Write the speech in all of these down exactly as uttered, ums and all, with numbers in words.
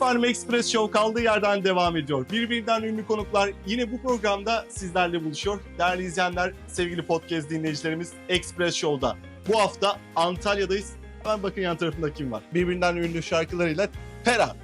Efendim Express Show kaldığı yerden devam ediyor. Birbirinden ünlü konuklar yine bu programda sizlerle buluşuyor. Değerli izleyenler, sevgili podcast dinleyicilerimiz Express Show'da. Bu hafta Antalya'dayız. Hemen bakın yan tarafında kim var. Birbirinden ünlü şarkılarıyla Pera.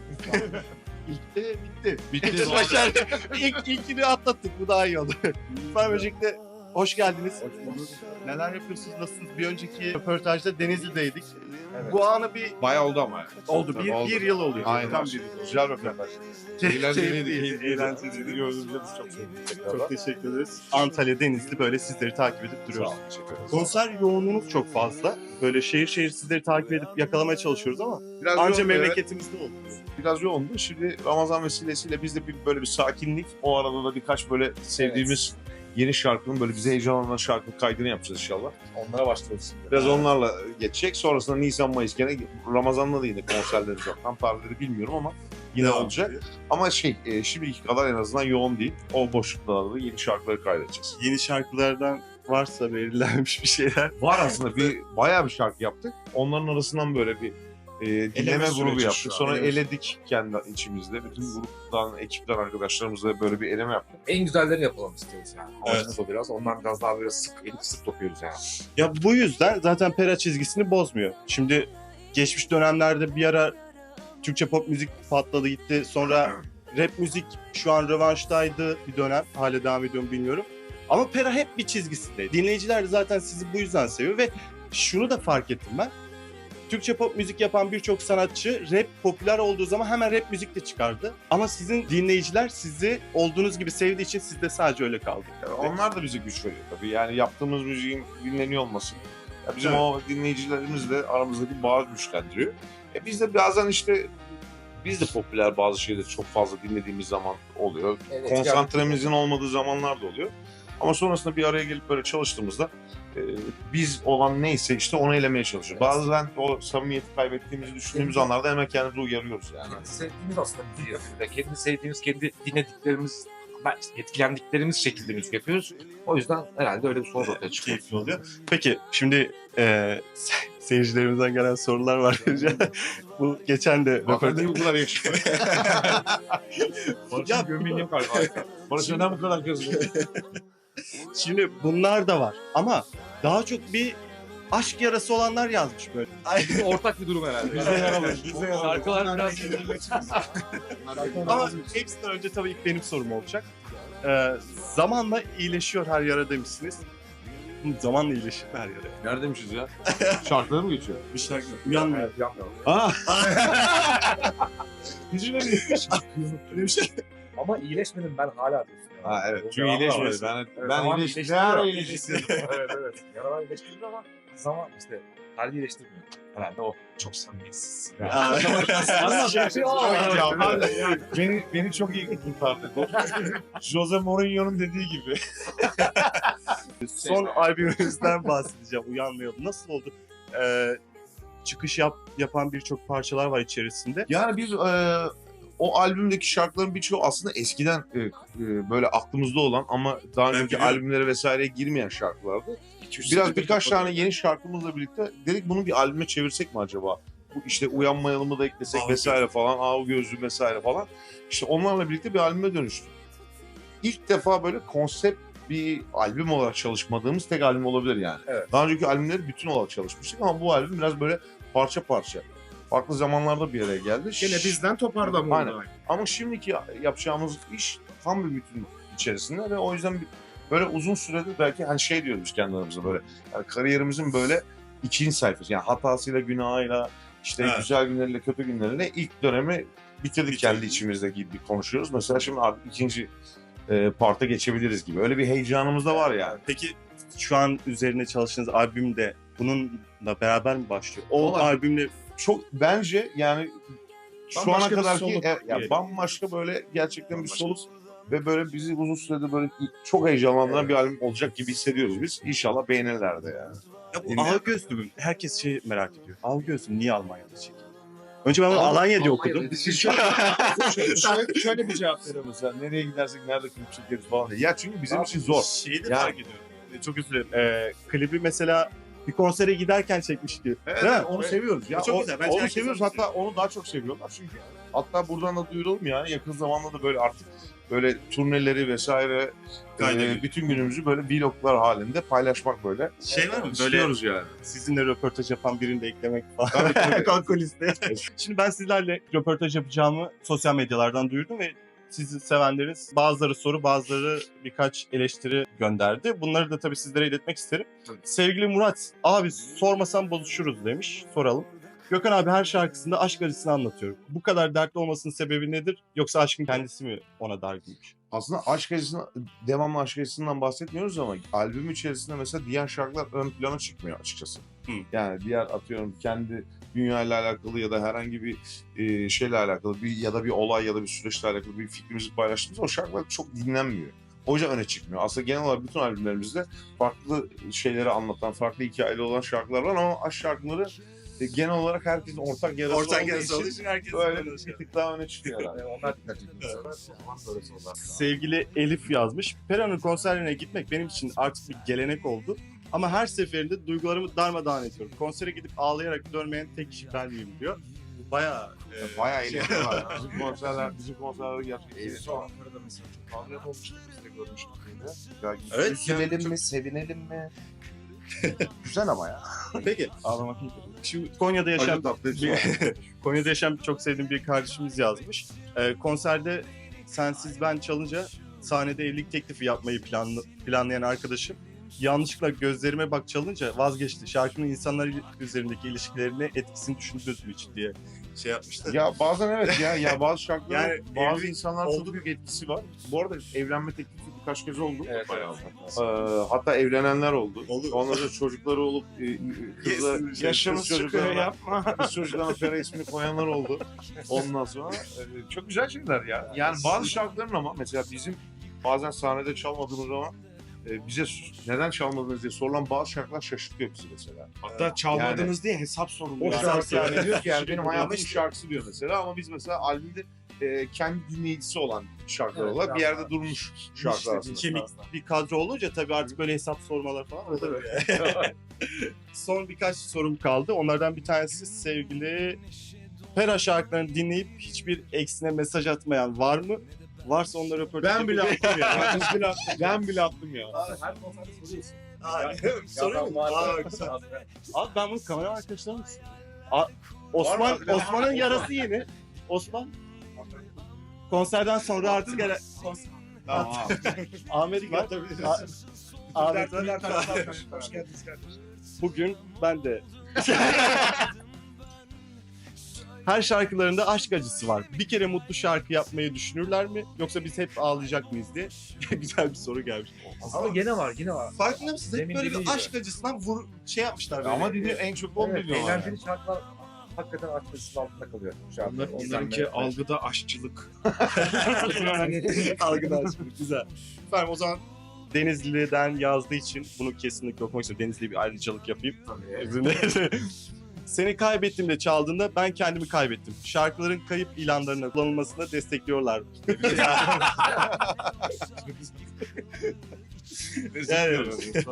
Bitti, bitti. Bitti. Başardı. İlk, ilkini atlattık. Bu daha iyi oldu. Ben öncelikle hoş geldiniz. Hoş bulduk. Neler yapıyorsunuz, nasılsınız? Bir önceki röportajda Denizli'deydik. Evet. Bu anı bir... Bayağı oldu ama. Oldu, bir, oldu. bir yıl oluyor. Aynen. Tam bir yıl. Güzel röportaj. Eğlenceliydi. Eğlenceliydi. Gördüğünüzde biz çok sevindik. Çok teşekkür ederiz. Antalya, Denizli böyle sizleri takip edip Sağ duruyoruz. olun. Teşekkür ederiz. Konser yoğunluğunuz çok fazla. Böyle şehir şehir sizleri takip edip yakalamaya çalışıyoruz ama Biraz anca yoğun, memleketimizde oldu. evet. Biraz yoğundu. Şimdi Ramazan vesilesiyle biz de bir, böyle bir sakinlik. O arada da birkaç böyle sevdiğimiz yeni şarkının böyle bize heyecanlanan şarkının kaydını yapacağız inşallah. Onlara başlıyoruz şimdi. Biraz onlarla geçecek. Sonrasında Nisan Mayıs gene Ramazan'da da yine konserlerimiz var. Tam tarihleri bilmiyorum ama yine Devam olacak. ediyor. Ama şey e, şimdiki kadar en azından yoğun değil. O boşluklarda da yeni şarkıları kaydedeceğiz. Yeni şarkılardan varsa belirlenmiş bir şeyler. Var aslında bir bayağı bir şarkı yaptık. Onların arasından böyle bir e, dinleme süreci grubu şu yaptık. an, Sonra eleme eledik kendi içimizde. Bütün gruptan, ekipten arkadaşlarımızla böyle bir eleme yaptık. En güzellerini yapalım istiyoruz yani. Amacımız Evet. o biraz. Ondan biraz daha böyle sık, elip sık dokuyoruz yani. Ya bu yüzden zaten Pera çizgisini bozmuyor. Şimdi geçmiş dönemlerde bir ara Türkçe pop müzik patladı gitti. Sonra rap müzik şu an rövanştaydı bir dönem. Hala devam ediyor mu bilmiyorum. Ama Pera hep bir çizgisindeydi. Dinleyiciler de zaten sizi bu yüzden seviyor ve şunu da fark ettim ben. Türkçe pop müzik yapan birçok sanatçı rap popüler olduğu zaman hemen rap müzik de çıkardı. Ama sizin dinleyiciler sizi olduğunuz gibi sevdiği için siz de sadece öyle kaldı. Yani onlar da bize güç veriyor tabii. Yani yaptığımız müziğin dinleniyor olması. Ya bizim Evet. o dinleyicilerimizle aramızdaki bağı güçlendiriyor. E biz de bazen işte biz de popüler bazı şeyleri çok fazla dinlediğimiz zaman oluyor. Evet, Konsantremizin olmadığı zamanlar da oluyor. Ama sonrasında bir araya gelip böyle çalıştığımızda e, biz olan neyse işte onu elemeye çalışıyoruz. Evet. Bazen o samimiyeti kaybettiğimizi düşündüğümüz Evet. anlarda hemen kendimizi uyarıyoruz yani. Kendi sevdiğimiz aslında müziği yapıyoruz. Yani kendi sevdiğimiz, kendi dinlediklerimiz, etkilendiklerimiz şekilde müzik yapıyoruz. O yüzden herhalde öyle bir sonuç ortaya çıkıyor. Keyifli oluyor. Peki şimdi e, se- seyircilerimizden gelen sorular var. Bu geçen de Hakikaten bu kadar yakışıklı. Barış'ın Ya- gömleğini yok galiba. Barış neden bu kadar gözlü? Şimdi bunlar da var ama daha çok bir aşk yarası olanlar yazmış böyle. Ortak bir durum herhalde. Bize yaralı. Bize yaralı. Şarkılar biraz... Ama hepsinden önce tabii ilk benim sorum olacak. Ee, zamanla iyileşiyor her yara demişsiniz. Hı, Zamanla iyileşir her yara. Neredeymişiz ya? Şarkıları mı geçiyor? Bir şarkı uyanmıyor. Evet, yapmıyorum. Aa! Hiç öyle bir şey. Ama iyileşmedim ben hala diyorsun. yani. Ha evet. O Çünkü yaralar iyileşmedi. var. Ben, Evet, ben zaman iyileştim. Ne iyileştiriyor. ara iyileştim? evet evet. Yaralar iyileştiriyor ama zaman işte hali iyileştirmiyor. Herhalde o çok samimiyetsiz. Aa, beni, beni çok iyi kurtardı. Jose Mourinho'nun dediği gibi. Son albümümüzden bahsedeceğim. Uyanmayalım. Nasıl oldu? Ee, çıkış yap, yapan birçok parçalar var içerisinde. Yani biz e, o albümdeki şarkıların birçoğu aslında eskiden e, e, böyle aklımızda olan ama daha önceki biliyorum. albümlere vesaireye girmeyen şarkılardı. Biraz birkaç tane yeni şarkımızla birlikte dedik bunu bir albüme çevirsek mi acaba? Bu işte Uyanmayalım'ı da eklesek Av vesaire falan, Av Gözlü vesaire falan. İşte onlarla birlikte bir albüme dönüştü. İlk defa böyle konsept bir albüm olarak çalışmadığımız tek albüm olabilir yani. Evet. Daha önceki albümleri bütün olarak çalışmıştık ama bu albüm biraz böyle parça parça. Farklı zamanlarda bir araya geldi. Gene bizden toparlama Aynen. oldu. Ama şimdiki yapacağımız iş tam bir bütün içerisinde ve o yüzden bir- böyle uzun süredir belki hani şey diyoruz biz kendi aramızda böyle yani kariyerimizin böyle ikinci sayfası yani hatasıyla günahıyla işte Evet. güzel günleriyle kötü günleriyle ilk dönemi bitirdik kendi içimizde gibi konuşuyoruz. Mesela şimdi artık ikinci e, parta geçebiliriz gibi. Öyle bir heyecanımız da var yani. Peki şu an üzerine çalıştığınız albüm de bununla beraber mi başlıyor? O Olabilir. albümle Çok bence yani şu ana Bambaşka bir kadar ki soluk e, ya diyelim. bambaşka böyle gerçekten bir Bambaşka soluk ve böyle bizi uzun süredir böyle çok heyecanlandıran Evet. bir albüm olacak gibi hissediyoruz biz. İnşallah beğenirler de yani. ya bu Dinle. Av Gözlü herkes şey merak ediyor. Av Gözlü niye Almanya'da çekildi? Önce ben bunu Al- Alanya diye Almanya'da okudum. şöyle, şöyle bir cevap veriyorum. Mesela nereye gidersek nerede klip çekeriz falan diye. Ya çünkü bizim için zor. Şeyi de Ya- fark ediyorum. Ee, Çok özür dilerim. Ee, klibi mesela bir konsere giderken çekmiş gibi. Evet, Değil mi? onu seviyoruz ya. Çok O- güzel. Bence onu herkes seviyoruz onu hatta onu daha çok seviyorlar çünkü Hatta buradan da duyuralım ya. Yakın zamanda da böyle artık böyle turneleri vesaire e, bütün günümüzü böyle vloglar halinde paylaşmak böyle. Şey var mı böyle İstiyoruz yani. sizinle röportaj yapan birini de eklemek falan. Tabii, tabii. Kanka listeye. Şimdi ben sizlerle röportaj yapacağımı sosyal medyalardan duyurdum ve sizi sevenleriniz bazıları soru bazıları birkaç eleştiri gönderdi. Bunları da tabii sizlere iletmek isterim. Tabii. Sevgili Murat, abi sormasam bozuşuruz demiş. Soralım. Gökhan abi her şarkısında aşk acısını anlatıyor. Bu kadar dertli olmasının sebebi nedir? Yoksa aşkın kendisi mi ona dargınmış? Aslında aşk acısından, devamlı aşk acısından bahsetmiyoruz ama albüm içerisinde mesela diğer şarkılar ön plana çıkmıyor açıkçası. Hı. Yani diğer atıyorum kendi dünyayla alakalı ya da herhangi bir e, şeyle alakalı bir ya da bir olay ya da bir süreçle alakalı bir fikrimizi paylaştığımızda o şarkılar çok dinlenmiyor. O yüzden öne çıkmıyor. Aslında genel olarak bütün albümlerimizde farklı şeyleri anlatan, farklı hikayeli olan şarkılar var ama aşk şarkıları e, genel olarak herkesin ortak yarası Ortak olduğu yarısı olduğu için için herkes böyle bir tık daha öne çıkıyor herhalde. Yani onlar dikkat ediyor. O zaman sonrası onlar. Sevgili Elif yazmış. Pera'nın konserlerine gitmek benim için artık bir gelenek oldu. Ama her seferinde duygularımı darmadağın ediyorum. Konsere gidip ağlayarak dönmeyen tek kişi ben miyim diyor. Bu bayağı... e, Bayağı şey- eğleniyorlar. Bizim konserler, bizim konserler gerçekten Ee, eğleniyor. son Ankara'da mesela çok ağlayan olmuştuk biz de görmüştük yine. Ya, Evet, üzülelim çok- mi, sevinelim mi? Güzel ama ya. Peki. Ağlamak iyi. Şimdi Konya'da yaşayan... Acı tatlı hepsi bir- var. Konya'da yaşayan çok sevdiğim bir kardeşimiz yazmış. Ee, konserde Sensiz Ben çalınca sahnede evlilik teklifi yapmayı planlı, planlayan arkadaşım yanlışlıkla Gözlerime Bak çalınca vazgeçti. Şarkının insanlar üzerindeki ilişkilerine etkisini düşündüğü için diye şey yapmıştı. Ya bazen evet ya, ya bazı şarkıların Yani bazı evlilik insanlar oldu. çok büyük etkisi var. Bu arada evlenme teklifi birkaç kez oldu. Evet, Bayağı. evet. Ee, hatta evlenenler oldu. Oldu. Ondan sonra çocukları olup e, kızla Yes, yaşımız kız çocuklarına çıkıyor, yapma. Kız çocuklarına Fera ismini koyanlar oldu. Ondan sonra e, çok güzel şeyler ya. Yani bazı şarkıların ama mesela bizim bazen sahnede çalmadığımız zaman e, bize neden çalmadınız diye sorulan bazı şarkılar şaşırtıyor bizi mesela. Hatta çalmadınız diye hesap soruluyor. O şarkı yani yani. diyor ki yani benim Ama hayatımın işte- şarkısı diyor mesela ama biz mesela albümde e, kendi dinleyicisi olan şarkılar Evet, olarak bir biraz yerde daha. durmuş şarkılar İşte aslında. kemik bir kadro olunca tabii artık böyle hesap sormalar falan oluyor. Son birkaç sorum kaldı. Onlardan bir tanesi sevgili Pera şarkılarını dinleyip hiçbir eksine mesaj atmayan var mı? Varsa onları röportaj Ben bile attım ya. Ben bile attım. Ben bile attım ya. Her konserde soruyorsun. Abi, soruyor mu? Aa, güzel. Abi ben bunu kamera arkadaşlarım Osman, Var mı? Osman'ın yarası yeni. Osman konserden sonra artık gene Tamam. Ahmet var. A- Ahmet var. Hoş geldiniz kardeşim. Bugün ben de her şarkılarında aşk acısı var. Bir kere mutlu şarkı yapmayı düşünürler mi? Yoksa biz hep ağlayacak mıyız diye güzel bir soru gelmiş. Ama gene var, yine var. Farkında mısınız? Hep Demin böyle dediği bir gibi. aşk acısından vur, şey yapmışlar böyle. Ama dedi en çok on Evet, milyon var. eğlenceli şarkılar hakikaten arkasının altında kalıyor. Onlar, onlarınki algıda aşçılık. Algılar şimdi güzel. Efendim o zaman Denizli'den yazdığı için bunu kesinlikle okumak istiyorum. Denizli'ye bir ayrıcalık yapayım. Seni kaybettiğimde çaldığında ben kendimi kaybettim. Şarkıların kayıp ilanlarına kullanılmasına destekliyorlar. Yani,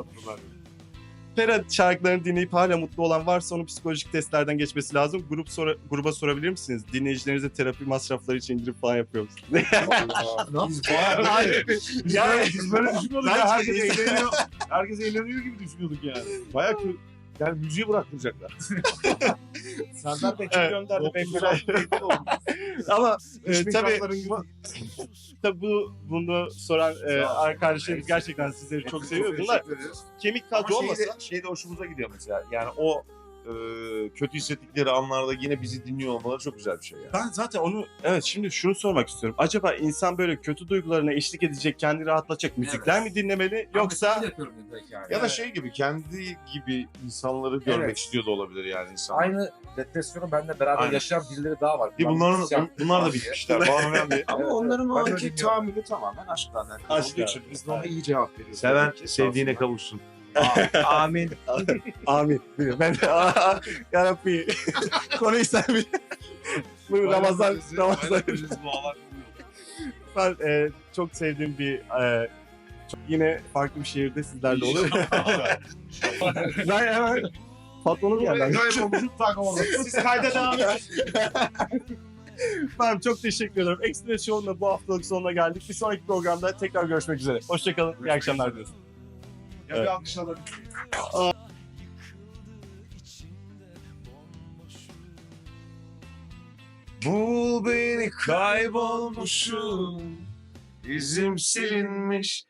Pera şarkılarını dinleyip hala mutlu olan varsa onun psikolojik testlerden geçmesi lazım. Grup sora, gruba sorabilir misiniz? Dinleyicilerinize terapi masrafları için indirim falan yapıyor musunuz? Biz bayağı Hayır. yani biz böyle düşünmüyorduk ya. Herkes Bence- eğleniyor. Herkes eğleniyor gibi düşünüyorduk yani. Bayağı kö- yani müziği bıraktıracaklar. Serdar Bey Evet. gönderdi. Ben biraz Ama e, Üç bin tabii kapların tabii bu bunu soran e, arkadaşlarımız gerçekten sizleri çok seviyor. Bunlar kemik kadro Ama olmasa şey de, şey de hoşumuza gidiyor mesela. Yani o e, kötü hissettikleri anlarda yine bizi dinliyor olmaları çok güzel bir şey yani. ben zaten onu evet şimdi şunu sormak istiyorum. Acaba insan böyle kötü duygularına eşlik edecek, kendini rahatlatacak müzikler mi dinlemeli yoksa yapıyorum belki yani. Ya da şey gibi kendi gibi insanları görmek Evet. istiyor da olabilir yani insanlar. Aynı depresyonu benimle beraber Aynen. yaşayan birileri daha var. Ki Ben bunların müzisyen- bunlar da diye. bitmişler. Bana önemli. Ama Evet, onların o ben de anki dinliyorum. tahammülü tamamen aşkla alakalı Aşkla. olduğu için biz de ona iyi cevap veriyoruz. Seven Tabii ki. sevdiğine kavuşsun. Amin. amin. Ben de aa, yarabbi. Konuyu sen bil. Bu Ramazan, Ramazan. Ben e, çok sevdiğim bir e, çok- yine farklı bir şehirde sizlerle olur. Ben hemen patronum geldi. Kaybolmuşum tak orada. Siz kayda devam edin. Ben çok teşekkür ederim. Express Show'un bu haftalık sonuna geldik. Bir sonraki programda tekrar görüşmek üzere. Hoşçakalın. İyi akşamlar diliyoruz. Ya Evet. bir alkış alalım. Bul beni kaybolmuşum, izim silinmiş